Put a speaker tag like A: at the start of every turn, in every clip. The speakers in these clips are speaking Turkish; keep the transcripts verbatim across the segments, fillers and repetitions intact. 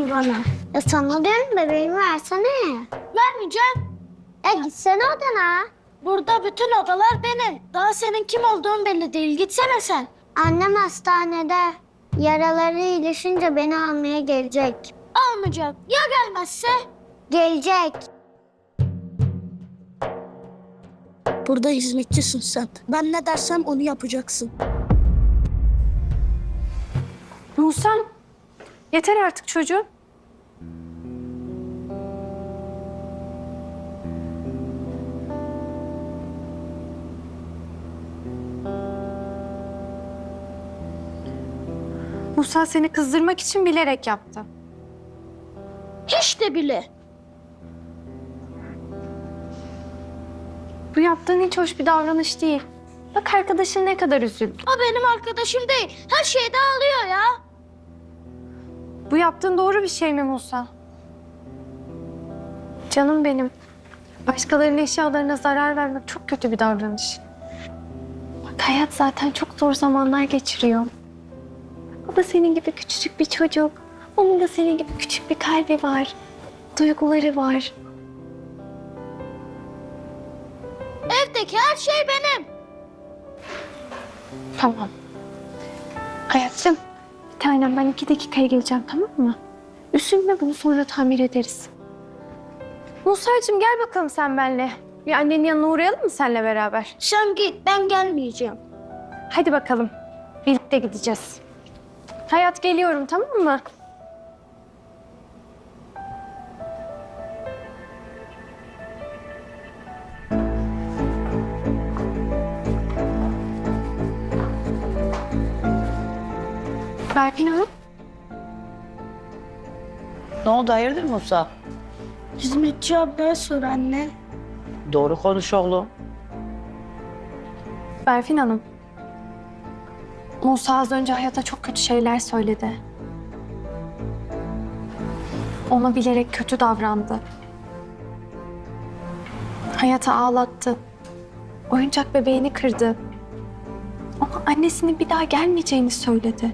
A: şimdi bana?
B: Ya sana diyorum bebeğimi versene.
A: Vermeyeceğim.
B: Ya gitsene odana.
A: Burada bütün odalar benim. Daha senin kim olduğun belli değil. Gitsene sen.
B: Annem hastanede. Yaraları iyileşince beni almaya gelecek.
A: Almayacak. Ya gelmezse?
B: Gelecek.
C: Burada hizmetçisin sen. Ben ne dersem onu yapacaksın.
D: Musa, yeter artık çocuğum. Musa seni kızdırmak için bilerek yaptı.
A: Hiç de bile.
D: Bu yaptığın hiç hoş bir davranış değil. Bak arkadaşın ne kadar üzüldü.
A: O benim arkadaşım değil. Her şeyde ağlıyor ya.
D: Bu yaptığın doğru bir şey mi Musa? Canım benim. Başkalarının eşyalarına zarar vermek çok kötü bir davranış. Bak hayat zaten çok zor zamanlar geçiriyor. O da senin gibi küçücük bir çocuk. Onun da senin gibi küçük bir kalbi var. Duyguları var.
A: Evdeki her şey benim.
D: Tamam. Hayatım, bir tanem ben iki dakikaya geleceğim tamam mı? Üzülme bunu sonra tamir ederiz. Musa'cığım gel bakalım sen benimle. Bir annenin yanına uğrayalım mı seninle beraber?
A: Sen git, ben gelmeyeceğim.
D: Hadi bakalım. Birlikte gideceğiz. Hayat geliyorum tamam mı? Berfin Hanım.
E: Ne oldu hayırdır Musa?
A: Hizmetçi ablaya sor anne.
E: Doğru konuş oğlum.
D: Berfin Hanım. Musa az önce Hayat'a çok kötü şeyler söyledi. Ona bilerek kötü davrandı. Hayat'ı ağlattı. Oyuncak bebeğini kırdı. Ama annesinin bir daha gelmeyeceğini söyledi.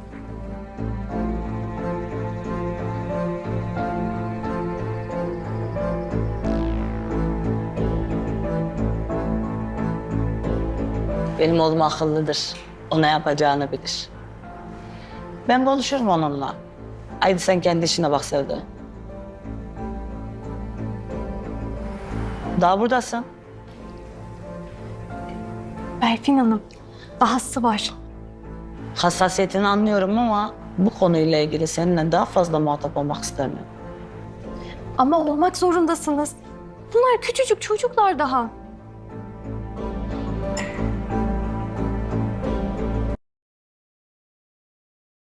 E: Benim oğlum akıllıdır. O ne yapacağını bilir. Ben konuşurum onunla. Haydi sen kendi işine bak Sevda. Daha buradasın.
D: Berfin Hanım, dahası var.
E: Hassasiyetini anlıyorum ama bu konuyla ilgili seninle daha fazla muhatap olmak istemiyorum.
D: Ama olmak zorundasınız. Bunlar küçücük çocuklar daha.